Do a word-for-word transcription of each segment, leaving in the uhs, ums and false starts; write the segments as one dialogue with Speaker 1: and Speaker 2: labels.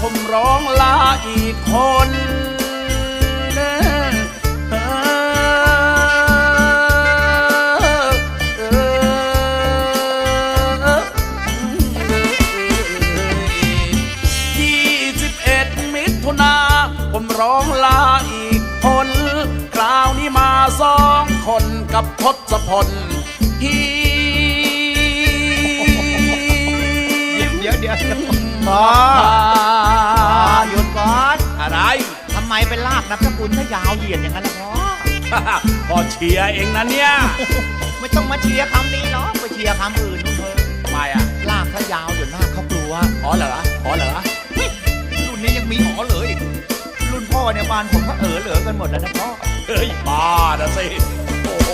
Speaker 1: ผมร้องลาอีกคนผมร้องลาอีกคนคราวนี้มาสองคนกับทศพลฮี
Speaker 2: เดี๋ยวเดี๋ยวพ่อหยุดก่อน
Speaker 1: อะไร
Speaker 2: ทำไมไปลากนามสกุลถ้ายาวเหยียดอย่างนั้นล่ะพ่อ
Speaker 1: พ่อเชียร์เองนะเนี่ย
Speaker 2: ไม่ต้องมาเชียร์คำนี้หรอกไปเชียร์คำอื่นนู่นเถอะ
Speaker 1: ทำไมอ่ะ
Speaker 2: ลากถ้ายาวเดี๋ยวหน้าเขากลัว
Speaker 1: อ๋อเหรออ๋อเหรอ
Speaker 2: รุ่นนี้ยังมีอ๋อเลยรุ่นพ่อเนี่ยบ้านผมก็เออเหลือกันหมดแล้วนะพ่อ
Speaker 1: เฮ้ยบ้านะสิโอ้โห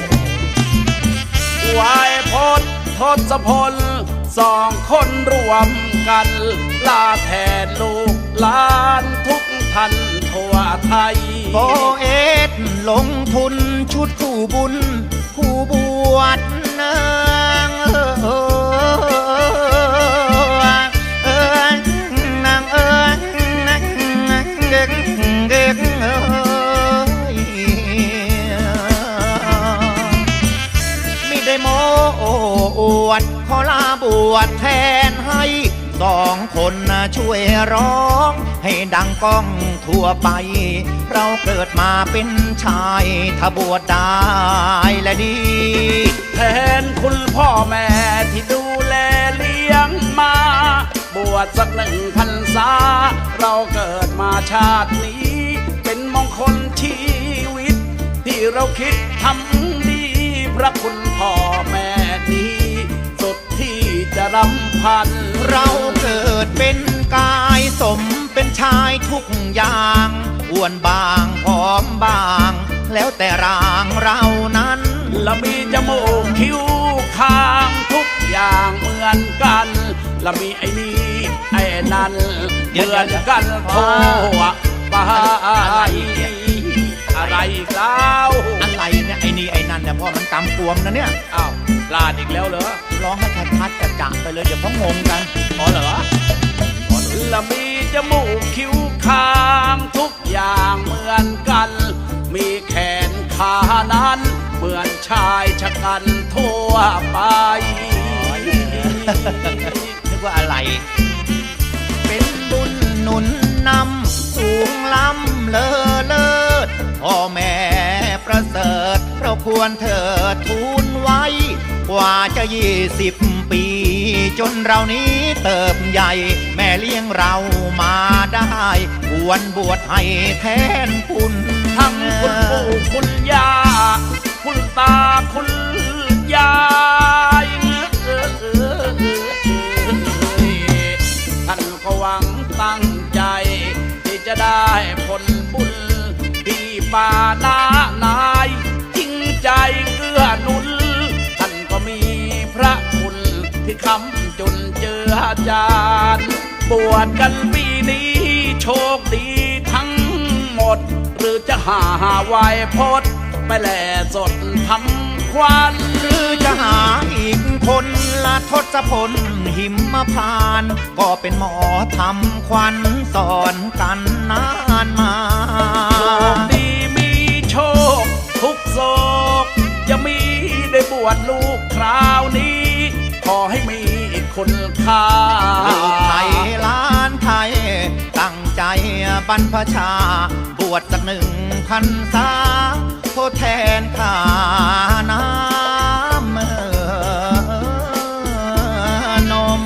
Speaker 1: วายพจน์ทศพลสองคนรวมกันลาแทนลูกหลานทุกท่านทั่วไทย
Speaker 2: โปเอสลงทุนชุดคู่บุญคู่บวชนางเออนางเออนางเด็กเด็กเอยไม่ได้โม้อวดขอลาบวชแทนให้สองคนช่วยร้องให้ดังก้องทั่วไปเราเกิดมาเป็นชายถ้าบวชได้และดี
Speaker 1: แทนคุณพ่อแม่ที่ดูแลเลี้ยงมาบวชสักหนึ่งพรรษาเราเกิดมาชาตินี้เป็นมงคลชีวิตที่เราคิดทำดีพระคุณพ่อแม่นี้สุดที่จะรำพัน
Speaker 2: เราเกิดเป็นกายสมเป็นชายทุกอย่างอ้วนบางผอมบางแล้วแต่ร่างเรานั้น
Speaker 1: และมีจมูกคิ้วคางทุกอย่างเหมือนกันและมีไอ้นี่ไอ้นั่นเหมือนกันโทษไปอะไรเล่า
Speaker 2: อะไรเนี่ยไอ้นี่ไอ้นั่นเนี่ยพ่อมันกำกวมนะเนี่ย
Speaker 1: อ้าวพลาดอีกแล้วเหรอ
Speaker 2: ร้องให้ชัดๆจัดๆไปเลยเดี๋ยวเขางงกัน
Speaker 1: อ๋อเหรอและมีจมูกคิ้วคางทุกอย่างเหมือนกันมีแขนขานั้นเหมือนชายชะกันทั่วไป
Speaker 2: นึกว่าอะไรเป็นบุญหนุนนำสูงล้ำเลอเลิศพ่อแม่ประเสริฐเราควรเถิดทูลไว้กว่าจะยี่สิบปีจนเรานี้เติบใหญ่แม่เลี้ยงเรามาได้ควรบวชให้แทนคุณ
Speaker 1: ทั้งคุณปู่คุณย่าคุณตาคุณยายท่านก็หวังตั้งใจที่จะได้ผลบุญที่ป่าหน้านายจริงใจเกื้อหนุนท่านก็มีพระคุณที่คำจนเจือจานบวชกันปีนี้โชคดีทั้งหมดหรือจะหาวายพจน์ไปแหล่สดทำควัน
Speaker 2: หรือจะหาอีกคนละทศพลหิมพานก็เป็นหมอทำควันสอนกันนานมา
Speaker 1: โชคดีมีโชคทุกโศกจะมีได้บวชลูกคราวนี้ขอให้มีคุณค่า
Speaker 2: ลูกไทยล้านไทยตั้งใจบรรพชาบวชสักหนึ่งพรรษาทดแทนข้าน้ำนม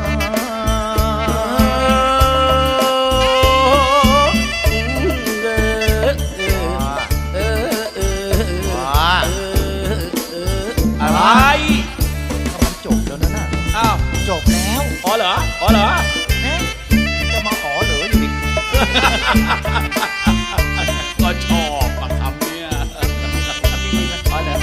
Speaker 1: อะไร
Speaker 2: มันจบแล้วนะน่ะ
Speaker 1: อ้าว
Speaker 2: จบแล้ว
Speaker 1: อ๋อเหรออ๋อเหรอ
Speaker 2: เนี่ยจะมาอ๋อเหรออยู่ดิ
Speaker 1: ก็ชอบอะคำเนี่ย
Speaker 2: อ๋อเหรอ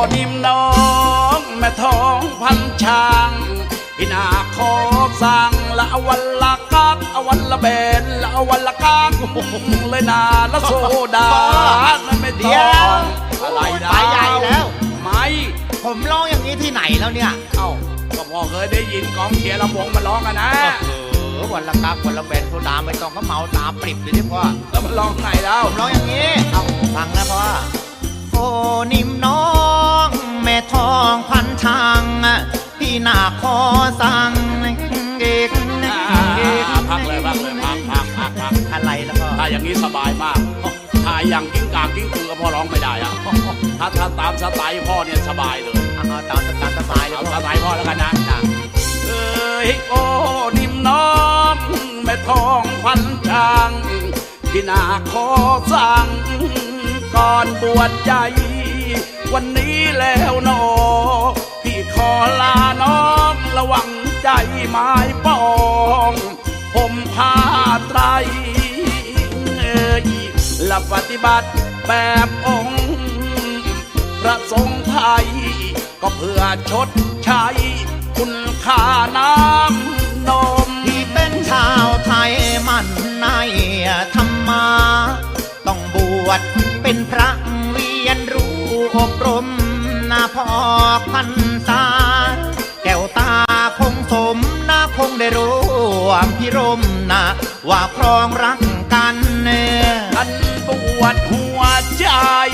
Speaker 1: นิ่มน้องแม่ท้องพันช่างพี่นาขอสั่งละอวันละกักอวันละเบนละอวันละกักเลยนาละโซดานั่นไม่
Speaker 2: เดี๋
Speaker 1: ต้
Speaker 2: ย
Speaker 1: อ
Speaker 2: ว
Speaker 1: งอะไรนะ
Speaker 2: ไปใหญ่แล้ว
Speaker 1: ไม่
Speaker 2: ผมร้องอย่างนี้ที่ไหนแล้วเนี่ย
Speaker 1: เอ้าก็พอเคยได้ยินกองเชียร์ลำวงมาร้องกันนะ
Speaker 2: เออวันละกักวันละแบนโซดาไม่ต้องก็เมาตาปริบเลยที่พ่อ
Speaker 1: แล้วมันร้องไงแล้ว
Speaker 2: ผมร้องอย่างนี้ เอาฟังนะพ่อ โอ้นิ่มน้องแม่ทองพันทางพี่นาขอสั่งเอกเอก
Speaker 1: พักเลยพักเลยพักพักพักพัก
Speaker 2: อะไรแล้วพ่อ
Speaker 1: ถ้าอย่างนี้สบายมากถ้าอย่างกิ้งกางกิ้งกือก็พ่อร้องไม่ได้อะถ้าถ้าตามสไตล์พ่อเนี่ยสบายเลย
Speaker 2: เอาตามตามสบายเลย
Speaker 1: เอา
Speaker 2: พ่
Speaker 1: ส
Speaker 2: อ
Speaker 1: ไตล์พ่อแล้วกันนะเอ้ยโอ้นิ่มน้องแม่ทองควันช่างพี่นาขอสั่งก่อนบวชใจ วันนี้แล้วนอพี่ขอลาน้องระวังใจไม้ปองผมผ้าไตรเอ่ยและปฏิบัติแบบองค์พระสงฆ์ไทย ก็เพื่อชดใช้คุณค่าน้ำนม
Speaker 2: ที่เป็นชาวไทยมันในธรรมา ต้องบวชเป็นพระเรียนรู้อบรมนาพอกพันษาแก้วตาคงสมนาคงได้รู้วามพิรมนะว่าครองรักกันเน่ย
Speaker 1: อันปวดหัวใจ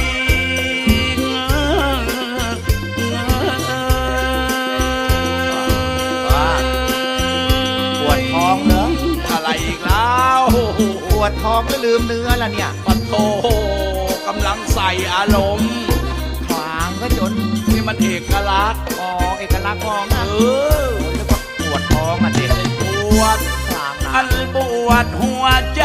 Speaker 2: ปวดท้องเหรอ
Speaker 1: อะไรอีกแล้ว
Speaker 2: ปวดท้องแล้วลืมเนื้อละเนี่ย
Speaker 1: ปะโถกำลังใส่อารมณ์
Speaker 2: ขวางก็จน
Speaker 1: นี่มันเอกลักษณ์
Speaker 2: อ๋อเอกลักษณ์ท้อง
Speaker 1: เอ
Speaker 2: นะ
Speaker 1: อ
Speaker 2: ผมนึกว่าปวดท้องอ่ะเด็ก
Speaker 1: ปวด
Speaker 2: ขวางนะ
Speaker 1: อันปวดหัวใจ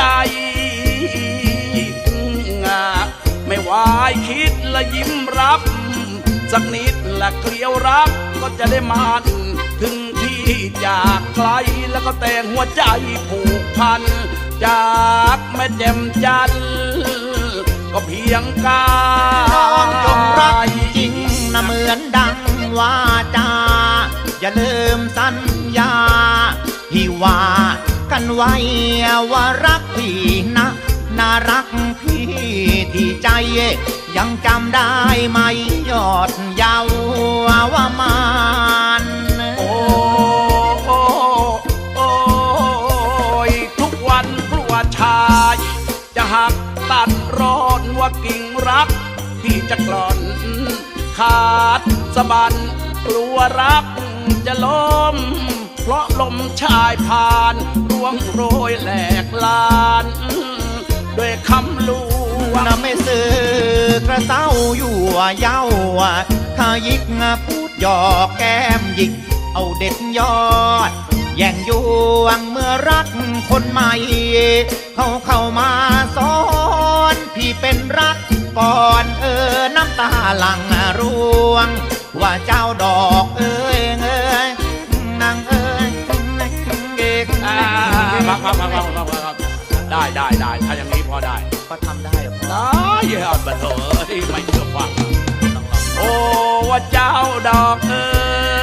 Speaker 1: ไม่วายคิดและยิ้มรับ สักนิดละเกลียวรักก็จะได้มานถึงที่จากไกลแล้วก็แต่งหัวใจผูกพัน จากแม่แจ่มจันทร์ก็เพียงกา
Speaker 2: น้องจงรักจริงนะเหมือนดังว่าจาอย่าลืมสัญญาที่ว่ากันไว้ว่ารักพี่นะน่ารักพี่ที่ใจยังจำได้ไหมยอดเยาวว่ามาน
Speaker 1: โอ้โอ้โอ้ยทุกวันกลัวชายจะหักตัดร้อนว่ากิ่งรักที่จะกล่อนขาดสะบันกลัวรักจะล้มเพราะลมชายผ่านร่วงโรยแหลกลานด้วยคำลวง
Speaker 2: นะไม่ซื้อกระเซ้าอยู่เย้าถ้ายิกพูดหยอกแก้มหยิกเอาเด็ดยอด แย่งยวงเมื่อรักคนใหม่ เขาเข้ามาสอนพี่เป็นรักก่อนเออน้ำตาหลังร่วง ว่าเจ้าดอกเอ้ยเอ้ยนางเอ้ยเอก
Speaker 1: อ่าพักพักพักพักพักพักได้ได้ได้ถ้าอย่างนี้พอได้
Speaker 2: ก็ทำได้เหรอพ่อ
Speaker 1: ได้ยอดบันเถอะไม่เชื่อฟังโอ้ว่าเจ้าดอกเอ้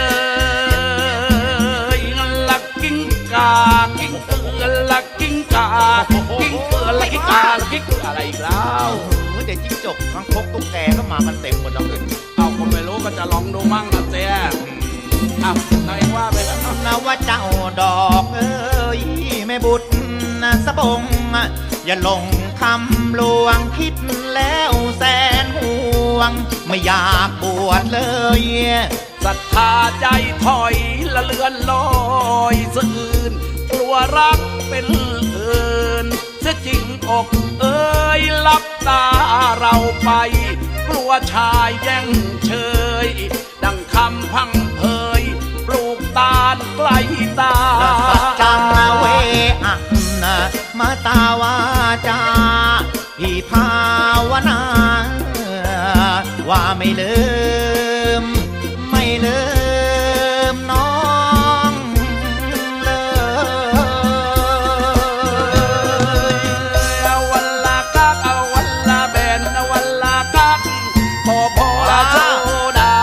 Speaker 1: ยลักกิ้งกากิ้งเอือลักกิ้งกากิ้งเอือลักกิ้งกาลักกิ้งอะไรอีกแล้ว
Speaker 2: เออเดี๋ยวจิ้งจกทั้งพกตุ๊กแกก็มากันเต็มหมดแล้วเลย
Speaker 1: เอาคนไม่รู้ก็จะลองดูมั่งนะเจ๊อ้าวนายว่าไปแล้ว
Speaker 2: นะว่าเจ้าดอกเอ้ยแม่บุตรนะสะบง อย่าหลงคำลวงคิดแล้วแสนห่วง ไม่อยากบวชเลย
Speaker 1: ศรัทธาใจถอยละเลือนลอยสะอื่นกลัวรักเป็นอื่นเสียจริงอกเอ้ยลับตาเราไป กลัวชายแย่งเชย ดังคำพังเพยปลูกตาลใกล้ตา
Speaker 2: สัจจังเวอะนะมาตาวาจาพี่ภาวนา ว่าไม่ลืม ไม่ลืมน้องเลย
Speaker 1: เอาวันละกักเอาวันละแบนเอาวันละกักพอพอละโซดา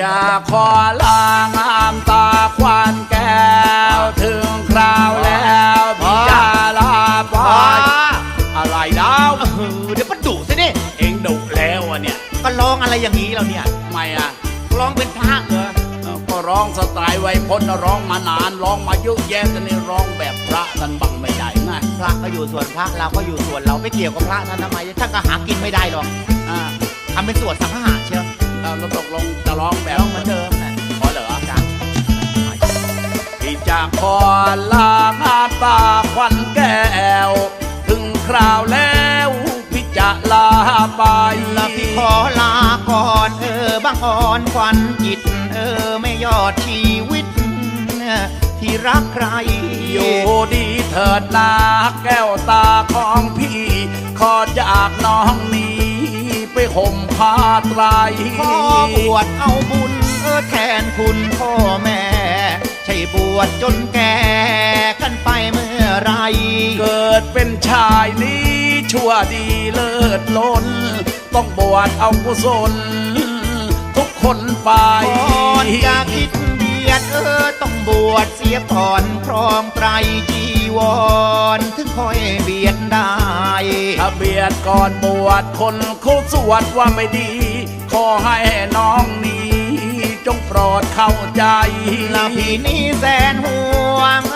Speaker 1: จะขอลางามตาควันแก้วถึงคราวแล้วพี่จะลาไปอะไรดาว
Speaker 2: เออเดี๋ยวมันดุสินี่
Speaker 1: เองดุแล้วอ่ะเนี่ย
Speaker 2: ก็ร้องอะไรอย่างนี้เราเนี่ย
Speaker 1: ทำไมอ่ะ
Speaker 2: ร้องเป็นพระเหรอ
Speaker 1: เออก็ร้องสไตล์ไวยพจน์ร้องมานานร้องมาเยอะแยะแต่นี่ร้องแบบพระกันบังไม่ได้ไง
Speaker 2: พระก็อยู่ส่วนพระเราก็อยู่ส่วนเราไม่เกี่ยวกับพระท่านทำไมท่านก็หากินไม่ได้หรอก
Speaker 1: อ่า
Speaker 2: ทำเป็นสวดสังฆะเชียว
Speaker 1: เราตกลงจะร้องแบบ
Speaker 2: ร้องเหมือนเดิมนะ
Speaker 1: ขอเหรอ
Speaker 2: จ้ะ
Speaker 1: พี่จะขอลางานตาควันแก้วถึงคราวแล้วพี่จะลาไป
Speaker 2: แล้วพี่ขอลาก่อนเออบางอ่อนควันจิต เออไม่ยอดชีวิต ที่รักใคร
Speaker 1: อยู่ดีเถิดนาแก้วตาของพี่ขอจากน้องนี้ไปห่มผ้าไตร
Speaker 2: ขอบวชเอาบุญเออแทนคุณพ่อแม่ ใช่บวชจนแก่กันไปเมื่อไร
Speaker 1: เกิดเป็นชายนี้ชั่วดีเลิศล้น ต้องบวชเอากุศลทุกคนไป
Speaker 2: ก่อนจะคิดเบียดเออต้องบวชเสียก่อนครองไตรจีวรถึงค่อยเบียดได้
Speaker 1: ถ้าเบียดก่อนบวชคนเขาสวดว่าไม่ดี ขอให้น้องนี้จงโปรดเข้าใจ
Speaker 2: แล้วพี่นี่แสนห่วงเอ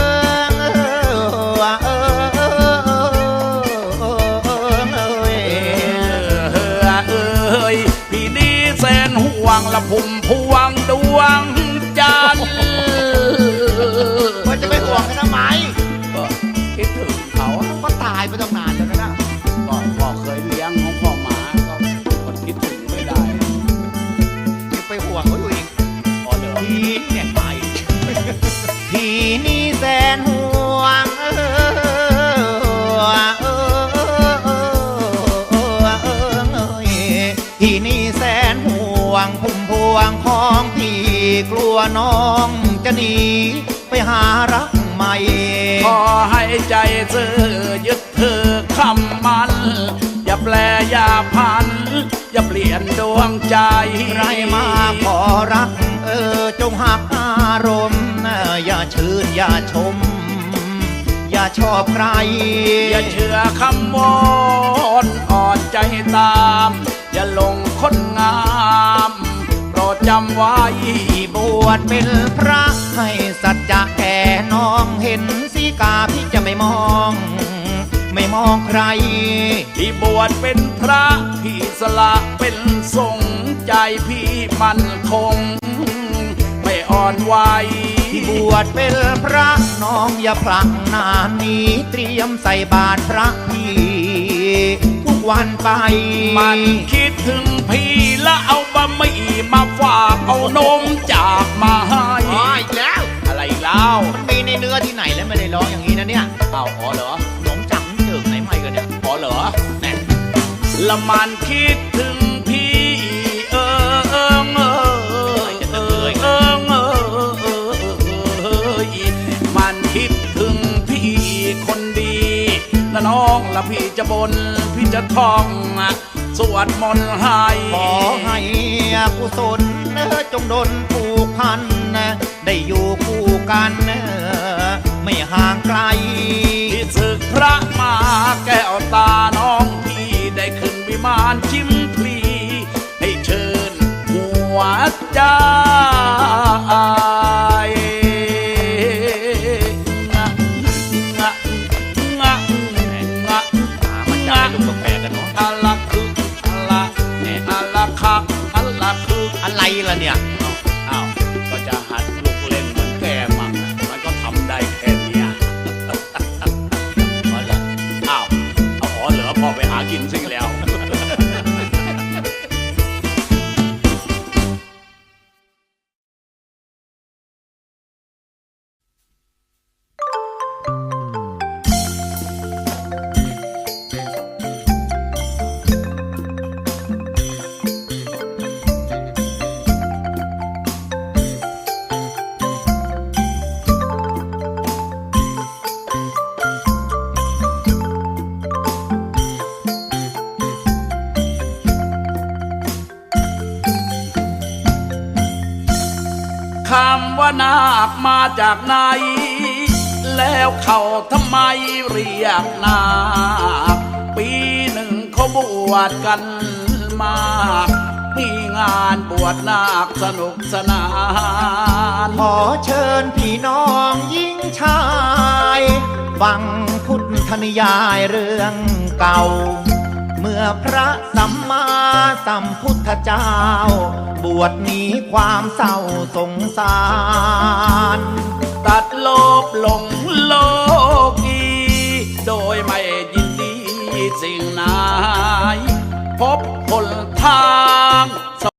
Speaker 2: อเออเออเออเออเออ
Speaker 1: เออเอ้ยพี่นี้แสนห่วงละพุ่มพวงดวงจันทร์
Speaker 2: ว่าจะไปห่วงกันทำไม
Speaker 1: ก็คิดถึงเขาอะ
Speaker 2: ก็ตายไปตั้งนานแล้วนะ
Speaker 1: ก็พ่อเคยเลี้ยงของพ่อหมาก็คนคิดถึงไม่ได้
Speaker 2: ยังไปห่วงเขาอยู่อีก
Speaker 1: พอเหรอ
Speaker 2: พี่เนี่ยไปพี่นี่แสนห่วงเออเออเออเออเออเออพี่นี่แสนห่วงพุ่มพวงของพี่กลัวน้องจะหนีไปหารักใหม่
Speaker 1: ขอให้ใจเธอยึดเธอคำมันอย่าแปลอย่าพัน อย่าเปลี่ยนดวงใจ
Speaker 2: ใครมาขอรักเออจงหักอารมณ์อย่าชื่นอย่าชม อย่าชอบใคร
Speaker 1: อย่าเชื่อคำวอนอ่อนใจตาม อย่าหลงคนงามโปรดจำไว้
Speaker 2: บวชเป็นพระให้สัจจะแก่น้องเห็นสีกาพี่จะไม่มอง ไม่มองใคร
Speaker 1: ที่บวชเป็นพระพี่สละเป็นสงฆ์ใจพี่มั่นคง ไม่อ่อนไหว
Speaker 2: ที่บวชเป็นพระน้องอย่าพลังนานนี้เตรียมใส่บาตรพระพี่ทุกวันไป
Speaker 1: มันคิดถึงพี่แล้วเอาบะหมี่มาฝากเอานมจากมาให้
Speaker 2: อ๋ออีกแล้ว
Speaker 1: อะไรอีกแล้ว
Speaker 2: มันมีในเนื้อที่ไหนแล้วไม่ได้ร้องอย่างนี้นะเนี่ย
Speaker 1: เอาอ๋อเหรอ
Speaker 2: ขนมจังเจิงไหนไม่กันเนี่ย
Speaker 1: อ๋อเหรอแน่ละมันคิดถึงพี่เออเออเออเออเออเออเออมันคิดถึงพี่คนดีและน้องละพี่จะบนพี่จะท่องสวดมนต์ให้
Speaker 2: ขอให้กุศลจงดลผูกพันได้อยู่คู่กันไม่ห่างไกล
Speaker 1: ที่ศึกพระมาแก้วตาน้องพี่ได้ขึ้นวิมานชิมพลีให้เชิญหัวใจงะงะงะงะ
Speaker 2: มันจะให้ลูกแปลกกันเนาะ
Speaker 1: อะละคืออะละเนี่ยอะละค่ะอะละคือ
Speaker 2: อะไรล่ะเนี่ย
Speaker 1: อ้าวก็จะหัดลูกเล่นเหมือนแกมั่งอะมันก็ทำได้แค่เนี้ย
Speaker 2: อ๋อเหรอ
Speaker 1: อ้าวเอาอ๋อเหรอพอไปหากินซิแล้วคำว่านาคมาจากไหน แล้วเขาทำไมเรียกนาคปีหนึ่งเขาบวชกันมากมีงานบวชนาคสนุกสนาน
Speaker 2: ขอเชิญพี่น้องยิ่งชายฟังพุทธนิยายเรื่องเก่า เมื่อพระสัมมาสัมพุทธเจ้า บวชหนีความเศร้าสงสาร
Speaker 1: ตัดโลภหลงโลกีโดยไม่ยินดีสิ่งไหนพบ